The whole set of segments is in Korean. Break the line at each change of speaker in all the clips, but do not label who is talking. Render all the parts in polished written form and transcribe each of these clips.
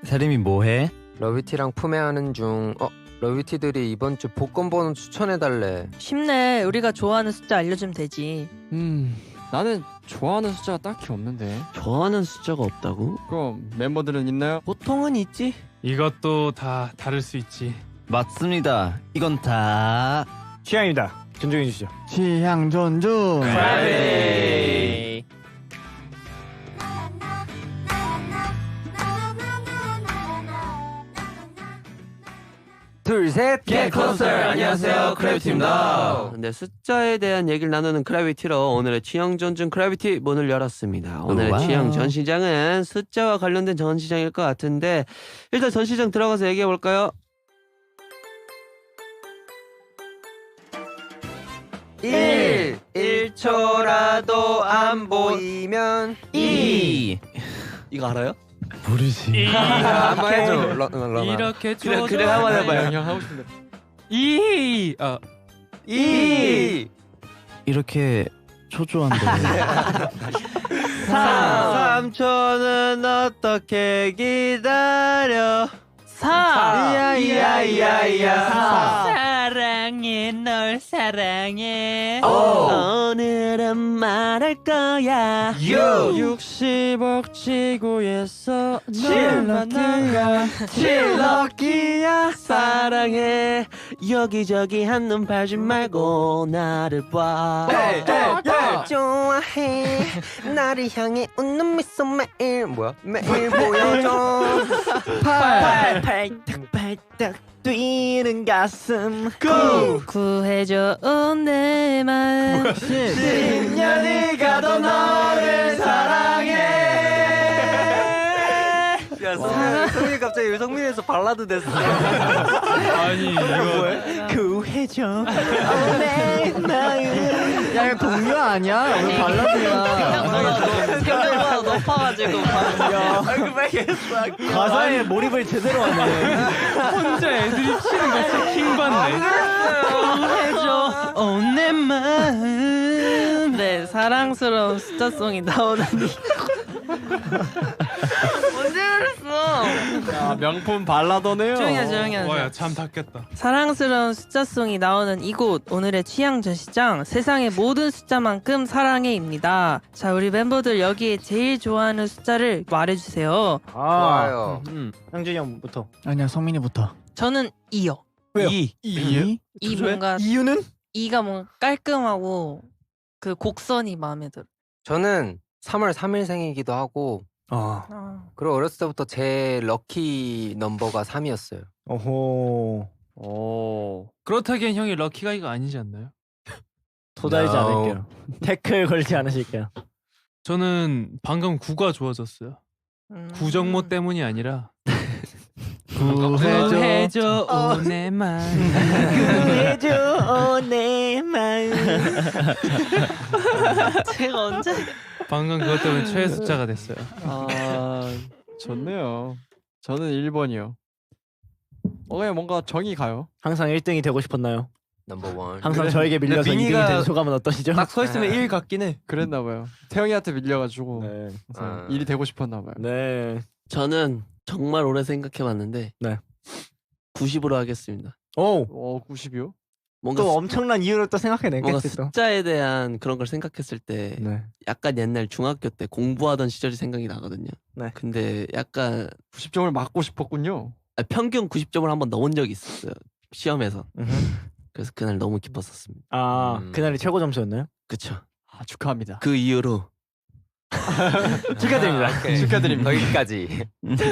대림이 뭐해?
러비티랑 품에하는 중. 러비티들이 이번 주 복권 번호 추천해달래.
쉽네. 우리가 좋아하는 숫자 알려주면 되지.
나는 좋아하는 숫자가 딱히 없는데.
좋아하는 숫자가 없다고?
그럼 멤버들은 있나요?
보통은 있지.
이것도 다 다를 수 있지.
맞습니다. 이건 다
취향입니다. 존중해 주시죠.
취향 존중.
프라이베이.
둘, 셋,
Get Closer. 안녕하세요, 크래비티입니다. 네, 숫자에 대한 얘기를 나누는 크래비티로 오늘의 취향 존중 크래비티 문을 열었습니다. 오늘의
와우.
취향 전시장은 숫자와 관련된 전시장일 것 같은데 일단 전시장 들어가서 얘기해 볼까요? 1초라도 안
보이면
2 이거 알아요?
모르지.
한번 해줘. 러나.
이렇게
그래 한번 해봐요.
형 하고 싶은데.
2
2
이렇게 초조한데.
3초는 어떻게 기다려
4.
이야
사랑해, 널 사랑해.
오늘은 말할 거야
60억 지구에서 널 만나가.
칠럭키야 사랑해 여기저기 한눈 팔지 말고 나를 봐
좋아해. 나를 향해 웃는 미소 매일. 뭐야? 매일 보여줘.
팔딱팔딱 뛰는 가슴
구해줘 내 마음.
10년이 가도 너를 사랑해 야 성민이 갑자기 유성민에서 발라드 됐어
아니 이거
구해줘 내 마음
야, 이거 동료 아니야? 오늘 발라드야.
생각보다 높아가지고.
가사에 몰입을 제대로 하네.
혼자 애들이 치는 거 진짜 킹받네.
해줘 내 마음. 네, 사랑스러운 숫자송이 나오는 언제 그랬어?
야, 명품 발라더네요.
조용히 하세요.
와야 참 닿겠다.
사랑스러운 숫자송이 나오는 이곳, 오늘의 취향 전시장, 세상의 모든 숫자만큼 사랑해입니다. 자, 우리 멤버들 여기에 제일 좋아하는 숫자를 말해주세요.
좋아요.
형준이 형부터.
아니야, 성민이부터.
저는 2요.
왜요?
2?
이 뭔가
이유는?
2가 뭔가 깔끔하고 그 곡선이 마음에 들어.
저는 3월 3일생이기도 하고, 그리고 어렸을 때부터 제 럭키 넘버가 3이었어요.
오호.
오.
그렇다기엔 형이 럭키가이가 아니지 않나요?
도달지
No.
않을게요. 태클 걸지 않으실게요.
저는 방금 9가 좋아졌어요. 구정모 때문이 아니라 구해줘 내 맘.
구해줘 내 마음
제가 언제?
방금 그것 때문에 최애 숫자가 됐어요.
아 좋네요. 저는 1번이요. 그냥 뭔가 정이 가요.
항상 1등이 되고 싶었나요?
넘버 원.
항상 저에게 밀려서
근데
2등이
민희가
된 소감은 어떠시죠?
딱 서 있으면 1 같긴 해
그랬나 봐요. 태영이한테 밀려가지고
네.
항상 일이 되고 싶었나 봐요.
네.
저는 정말 오래 생각해봤는데
네.
90으로 하겠습니다.
오.
90이요?
뭔가
또 엄청난 이유를 또
뭔가
생각해냈겠지 또.
숫자에 대한 그런 걸 생각했을 때
네.
약간 옛날 중학교 때 공부하던 시절이 생각이 나거든요.
네.
근데 약간
90점을 맞고 싶었군요.
평균 90점을 한번 넣은 적이 있었어요. 시험에서.
음흠.
그래서 그날 너무 기뻤었습니다.
아, 그날이 최고 점수였나요?
그쵸.
아 축하합니다.
그 이후로
축하드립니다.
오케이.
축하드립니다.
여기까지.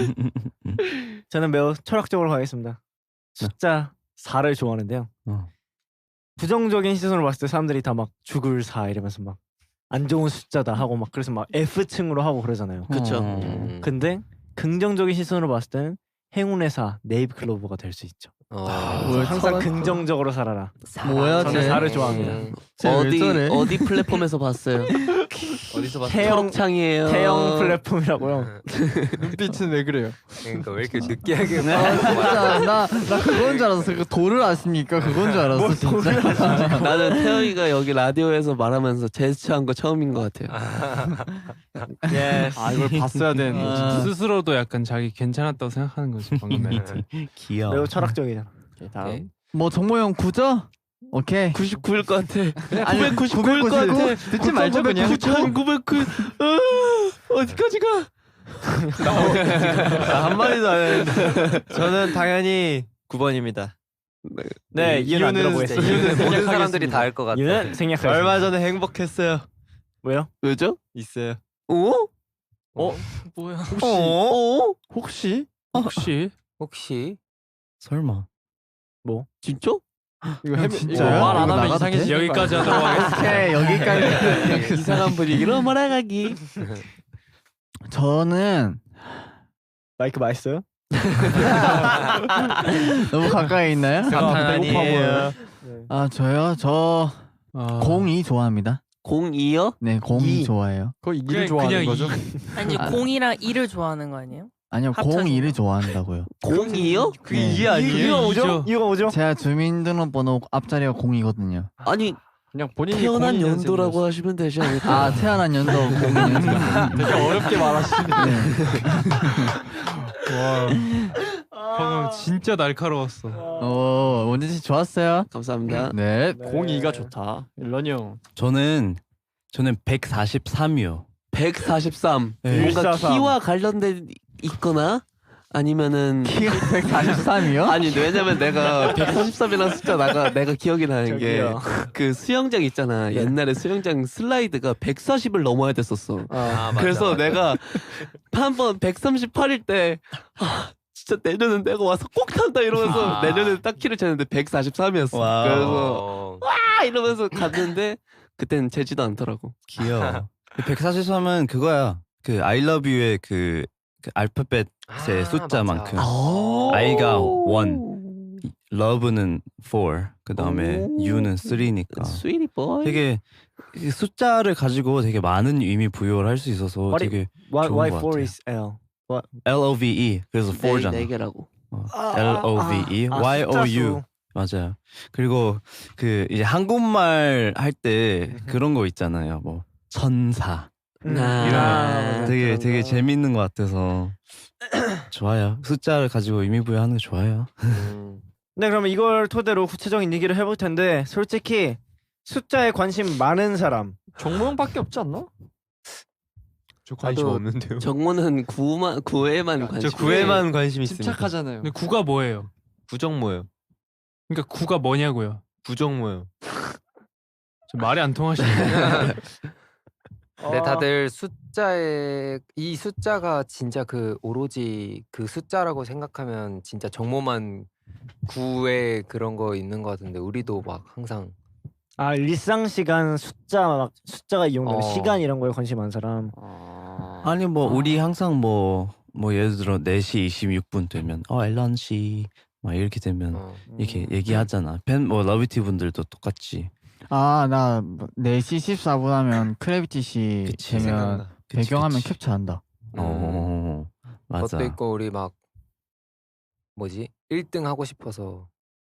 저는 매우 철학적으로 가겠습니다. 숫자 4를 좋아하는데요. 부정적인 시선으로 봤을 때 사람들이 다 막 죽을 4 이러면서 막 안 좋은 숫자다 하고 막 그래서 막 F층으로 하고 그러잖아요.
그쵸.
근데 긍정적인 시선으로 봤을 때는 행운의 4 네잎클로버가 될 수 있죠. 그래서 항상 긍정적으로 살아라.
뭐야
저는 4를 좋아합니다.
어디 플랫폼에서 봤어요? 어디서 봤어?
태영-
초록창이에요.
태형 플랫폼이라고요.
눈빛은 왜 그래요?
그러니까 왜 이렇게 느끼하게
진짜 나 그건 줄 알았어. 그 돌을 아십니까? 그건 줄 알았어 진짜.
나는 태영이가 여기 라디오에서 말하면서 제스처한 거 처음인 것 같아요.
예.
아 이걸 봤어야 되는 거지.
아.
스스로도 약간 자기 괜찮았다고 생각하는 거지 방금 멘트.
귀여워.
매우 철학적이잖아.
오케이, 다음.
뭐 정모 형 9죠? 오케이.
99일 것 같아.
아니,
999일 것 같아.
듣지 말죠 그냥.
9,909. 어디까지 가?
한마디도 안 했는데. 저는 당연히 9번입니다.
네, 이유는 안 들어보겠어요.
이유는 모든 사람들이 다 알 것 같아.
이유는 생략하겠습니다.
얼마 전에 행복했어요.
왜요?
왜죠?
있어요.
어?
뭐야?
혹시?
혹시
설마.
진짜?
이거
진짜요?
말 안
이거
하면
나가도
이상해지.
돼?
여기까지 하도록 하겠습니다.
오케이 여기까지.
이상한 분위기로 몰아가기.
저는
마이크 맛있어요?
너무 가까이 있나요?
아니에요.
아 저요? 저
아,
02 좋아합니다.
02요?
네 02 좋아해요.
거의
그냥-
일을 좋아하는
그냥
거죠?
아니 0이랑 2를 좋아하는 거 아니에요?
아니요
합쳐서.
02를 좋아한다고요.
02요?
그게
네.
이해 아니에요?
이유가 뭐죠?
이죠.
이유가 뭐죠?
제가 주민등록번호 앞자리가 0이거든요.
아니
그냥 본인이
태어난
02년생이었어.
연도라고 하시면 되지 않을까?
아 태어난 연도 02년생.
되게 어렵게 말하시네.
방금 진짜 날카로웠어.
원진 씨 좋았어요.
감사합니다.
네.
02가 좋다. 일런이 형.
저는 143이요.
143.
네.
뭔가
143.
키와 관련된 있거나 아니면은
키가 143이요?
아니 왜냐면 내가 133이라는 숫자 내가 기억이 나는 게
저기요.
그 수영장 있잖아. 옛날에 수영장 슬라이드가 140을 넘어야 됐었어.
아, 맞아,
그래서
맞아.
내가 한 번 138일 때 진짜 내년은 내가 와서 꼭 탄다 이러면서 내년에 딱 키를 쟀는데 143이었어.
와우.
그래서 이러면서 갔는데 그때는 재지도 않더라고.
귀여워. 143은 그거야. 그 I love you의 그 알파벳의
아,
숫자만큼.
맞아.
I가 1, love는 4, 그 다음에
오.
U는 3니까.
스위리 보이.
되게 이 숫자를 가지고 되게 많은 의미 부여를 할 수 있어서
What
되게
Why,
좋은
why
것
4
같아요.
is L?
LOVE 그래서 4잖아.
네 개라고.
LOVE YOU 맞아요. 그리고 그 이제 한국말 할 때 그런 거 있잖아요. 뭐 천사
아,
되게
그런 거.
재밌는 것 같아서 좋아요. 숫자를 가지고 의미 부여하는 게 좋아요.
네, 그러면 이걸 토대로 구체적인 얘기를 해볼 텐데 솔직히 숫자에 관심 많은 사람
정모 형밖에 없지 않나?
저 관심
나도
없는데요.
정모는 9에만 관심.
저 9에만 관심 있습니다.
침착하잖아요.
근데 9가 뭐예요?
구정모요.
그러니까 9가 뭐냐고요?
구정모요.
저 말이 안 통하시네.
근데 다들 숫자에 이 숫자가 진짜 그 오로지 그 숫자라고 생각하면 진짜 정모만 9에 그런 거 있는 거 같은데 우리도 막 항상
일상 시간 숫자가 이용되는
어.
시간 이런 거에 관심 많은 사람.
아니 뭐 우리 항상 뭐 예를 들어 4시 26분 되면 앨런 씨막 이렇게 되면 이렇게 얘기하잖아. 뭐 러비티 분들도 똑같지.
나 4시 14분 하면 크래비티 씨
그치,
되면
생각나.
배경화면
그치.
캡처한다.
맞아.
그것도 있고 우리 막 뭐지 1등 하고 싶어서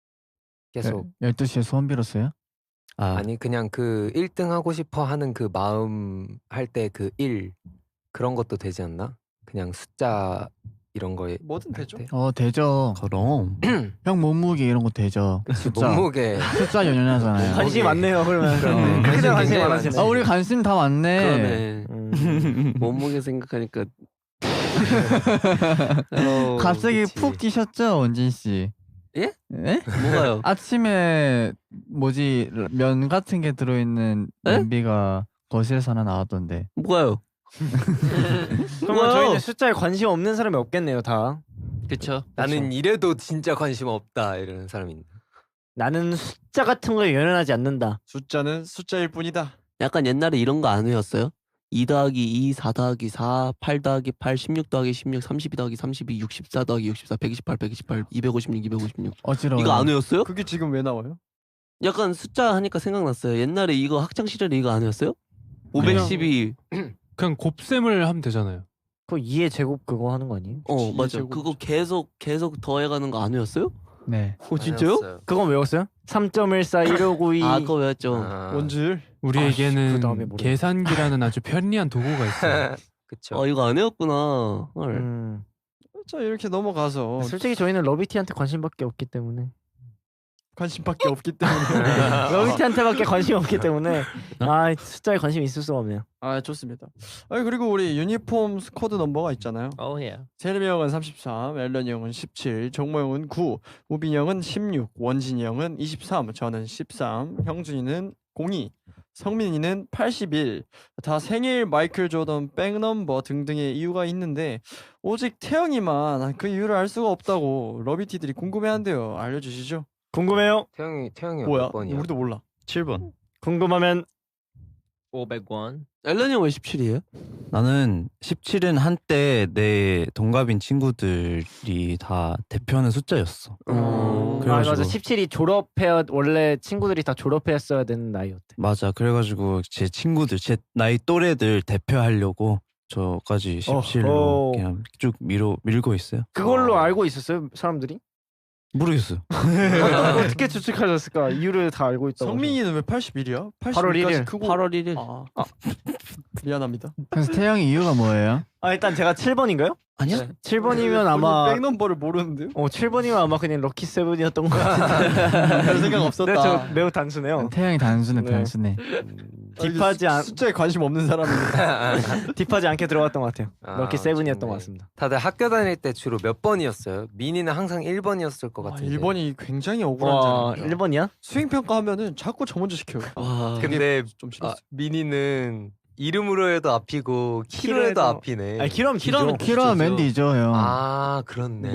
계속
12시에 소원 빌었어요?
아니 그냥 그 1등 하고 싶어 하는 그 마음 할 때 그 1 그런 것도 되지 않나? 그냥 숫자 이런 거에
뭐든 되죠.
되죠.
그럼
형 몸무게 이런 거 되죠. 숫자
몸무게
숫자 연연하잖아요.
관심이 많네요. 그러면
그러네.
크게 관심이
굉장히
많으시네.
우리 관심 다 많네.
그러네. 몸무게 생각하니까
갑자기
그치.
푹 뛰셨죠, 원진 씨?
예?
네?
뭐가요?
아침에 뭐지 면 같은 게 들어있는
에?
냄비가 거실에서 하나 나왔던데.
뭐가요?
그러면 저희는 숫자에 관심 없는 사람이 없겠네요, 다.
그쵸.
나는 이래도 진짜 관심 없다 이러는 사람인데
나는 숫자 같은 거에 연연하지 않는다.
숫자는 숫자일 뿐이다.
약간 옛날에 이런 거 안 외웠어요? 2 더하기 2, 4 더하기 4, 8 더하기 8, 16 더하기 16, 32 더하기 32, 64 더하기 64, 128, 128, 256, 256.
어지러워.
이거 안 외웠어요?
그게 지금 왜 나와요?
약간 숫자 하니까 생각났어요. 옛날에 이거 학창 시절에 이거 안 외웠어요? 512.
그냥 곱셈을 하면 되잖아요.
그거 2의 제곱 그거 하는 거 아니에요?
맞아. 그거 계속 더해가는 거 안 외웠어요?
네.
진짜요?
알았어요.
그건 외웠어요? 3.14 1592
아 그거 외웠죠.
원줄.
우리에게는
그 다음에 뭐래요?
계산기라는 아주 편리한 도구가 있어요.
그쵸.
이거 안 외웠구나. 헐.
자 이렇게 넘어가서
솔직히 저희는 러비티한테 관심밖에 없기 때문에
관심밖에 없기 때문에.
러비티한테밖에 관심이 없기 때문에 숫자에 관심이 있을 수가 없네요.
아 좋습니다. 그리고 우리 유니폼 스쿼드 넘버가 있잖아요. 세림이 형은 33, 앨런이 형은 17, 정모 형은 9, 우빈이 형은 16, 원진이 형은 23, 저는 13, 형준이는 02, 성민이는 81. 다 생일 마이클 조던 백넘버 등등의 이유가 있는데 오직 태영이만 그 이유를 알 수가 없다고 러비티들이 궁금해한대요. 알려주시죠.
궁금해요?
태영이
뭐야?
몇 번이야?
우리도 몰라.
7번.
궁금하면
500원.
앨런이 형 왜 17이에요?
나는 17은 한때 내 동갑인 친구들이 다 대표하는 숫자였어.
맞아 17이 졸업해야 원래 친구들이 다 졸업했어야 되는 나이였대.
맞아. 그래가지고 제 친구들, 제 나이 또래들 대표하려고 저까지 17로 그냥 쭉 밀고 있어요.
그걸로 알고 있었어요 사람들이?
모르겠어요.
어떻게 추측하셨을까? 이유를 다 알고 있다고.
성민이는 왜 81이야?
8월 1일.
크고
8월 1일.
미안합니다.
그래서 태영이 이유가 뭐예요?
일단 제가 7번인가요?
아니야?
7번이면 아마
백넘버를 모르는데요?
7번이면 아마 그냥 럭키 세븐이었던 것 같은데.
별 생각 없었다.
네, 저 매우 단순해요.
태영이 단순해
네.
단순해.
숫자에 관심 없는 사람인데.
딥하지 않게 들어갔던 것 같아요. 럭키 세븐이었던
좋네.
것 같습니다.
다들 학교 다닐 때 주로 몇 번이었어요? 민이는 항상 1번이었을 것 같은데.
1번이 굉장히 억울한 자리입니다.
1번이야?
수행 평가 하면은 자꾸 저 먼저 시켜요.
근데
좀 싫었어.
민이는 이름으로 해도 앞이고 키로 해도 앞이네.
키로하면
키로하면 맨디죠 형.
그렇네.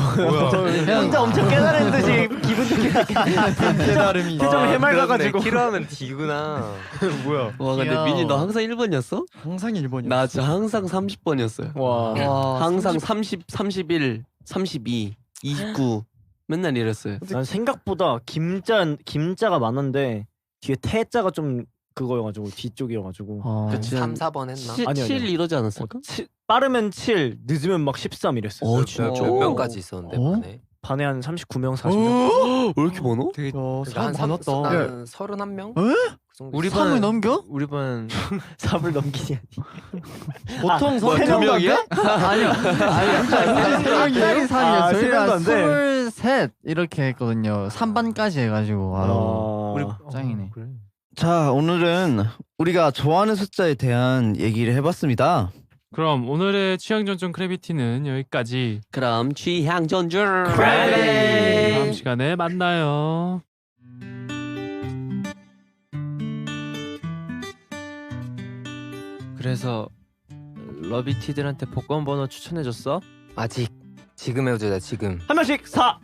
혼자 엄청 깨달은 듯이 기분 좋게
깨달음이.
표정 해맑아가지고.
키로하면 D구나.
뭐야?
와 근데
귀여워.
민이 너 항상 1번이었어?
항상 1번이야.
나 진짜 항상 30번이었어요.
와.
항상 30, 31, 32, 29 맨날 이랬어요.
난 생각보다 김자가 많았는데 뒤에 태자가 좀 그거여가지고 뒤쪽이어가지고.
그치.
3, 4번 했나?
7,
아니요.
7 이러지 않았을까?
빠르면 7, 늦으면 막 13 이랬어.
진짜?
몇 명까지 있었는데 반에?
반에 한 39명, 40명.
왜 이렇게 많어?
사람 많았다.
난 31명?
에?
그 정도
우리
있었어.
반 3을 넘겨?
우리 반
3을 넘기니.
보통
뭐,
32명이야?
아니요. 짝짝이 3이요.
아,
저희가
세명도 안
23 이렇게 했거든요. 3반까지 해가지고. 우리 짱이네.
자, 오늘은 우리가 좋아하는 숫자에 대한 얘기를 해봤습니다.
그럼 오늘의 취향 전종 크래비티는 여기까지.
그럼 취향 전주
다음 시간에 만나요.
그래서 러비티들한테 복권 번호 추천해줬어?
아직 지금 해보자 지금.
한 명씩 4.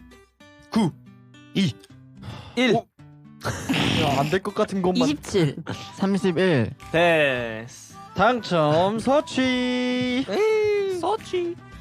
1.
안 될 것 같은 것만.
27 31
됐어.
당첨 서치.
서치